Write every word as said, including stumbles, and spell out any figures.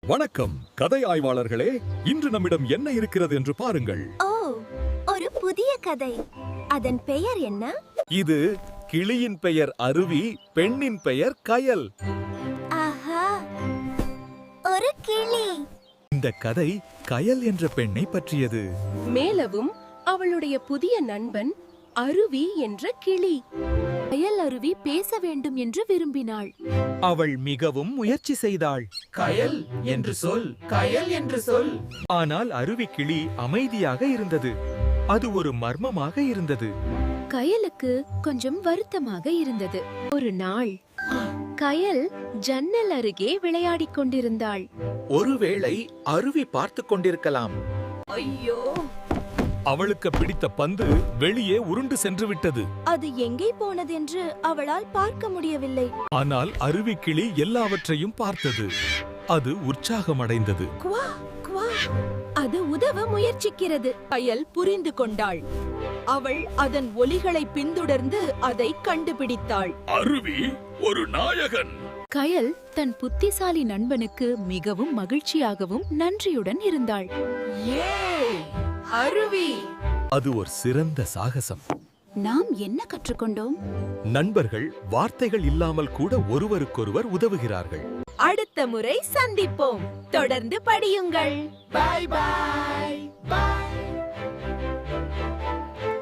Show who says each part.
Speaker 1: வணக்கம் கதை ஆய்வாளர்களே, இன்று நம்மிடம் என்ன இருக்கிறது என்று பாருங்கள்.
Speaker 2: ஓ, ஒரு புதிய கதை. அதன் பெயர் என்ன?
Speaker 1: இது கிளியின் பெயர் அருவி, பெண்ணின் பெயர் கயல்.
Speaker 2: ஆஹா, ஒரு கிளி.
Speaker 1: இந்த கதை கயல் என்ற பெண்ணை பற்றியது.
Speaker 3: மேலவும் அவளுடைய புதிய நண்பன் அருவி என்ற கிளி.
Speaker 4: கயல் அருவி பேச வேண்டும் என்று விரும்பினாள்.
Speaker 5: அவள் மிகவும் முயற்சி செய்தாள். கயல் என்று சொல், கயல் என்று சொல். ஆனால் அருவி கிளி அமைதியாக இருந்தது. அது ஒரு மர்மமாக இருந்தது.
Speaker 4: கயலுக்கு கொஞ்சம் வருத்தமாக இருந்தது. ஒரு நாள் கயல் ஜன்னல் அருகே விளையாடிக் கொண்டிருந்தாள்.
Speaker 5: ஒருவேளை அருவி பார்த்து கொண்டிருக்கலாம்.
Speaker 3: ஐயோ,
Speaker 1: அவளுக்கு பிடித்த பந்து வெளியே உருண்டு சென்று விட்டது.
Speaker 2: அது எங்கே போனதென்று அவளால் பார்க்க முடியவில்லை.
Speaker 1: ஆனால் அருவி கிளி எல்லாவற்றையும் பார்த்தது. அது உற்சாகமடைந்தது.
Speaker 2: குவா, குவா.
Speaker 4: அது உதவ முயற்சிக்கிறது.
Speaker 3: கயல் புரிந்து கொண்டாள். அவள் அதன் ஒலிகளை பின்தொடர்ந்து அதை கண்டுபிடித்தாள்.
Speaker 1: அருவி ஒரு நாயகன்.
Speaker 4: கயல் தன் புத்திசாலி நண்பனுக்கு மிகவும் மகிழ்ச்சியாகவும் நன்றியுடன் இருந்தாள்.
Speaker 3: அருவி!
Speaker 1: அது ஒரு சிறந்த சாகசம்.
Speaker 4: நாம் என்ன கற்றுக்கொண்டோம்?
Speaker 1: நண்பர்கள் வார்த்தைகள் இல்லாமல் கூட ஒருவருக்கொருவர் உதவுகிறார்கள்.
Speaker 3: அடுத்த முறை சந்திப்போம். தொடர்ந்து படியுங்கள்.
Speaker 5: பாய் பாய் பாய்.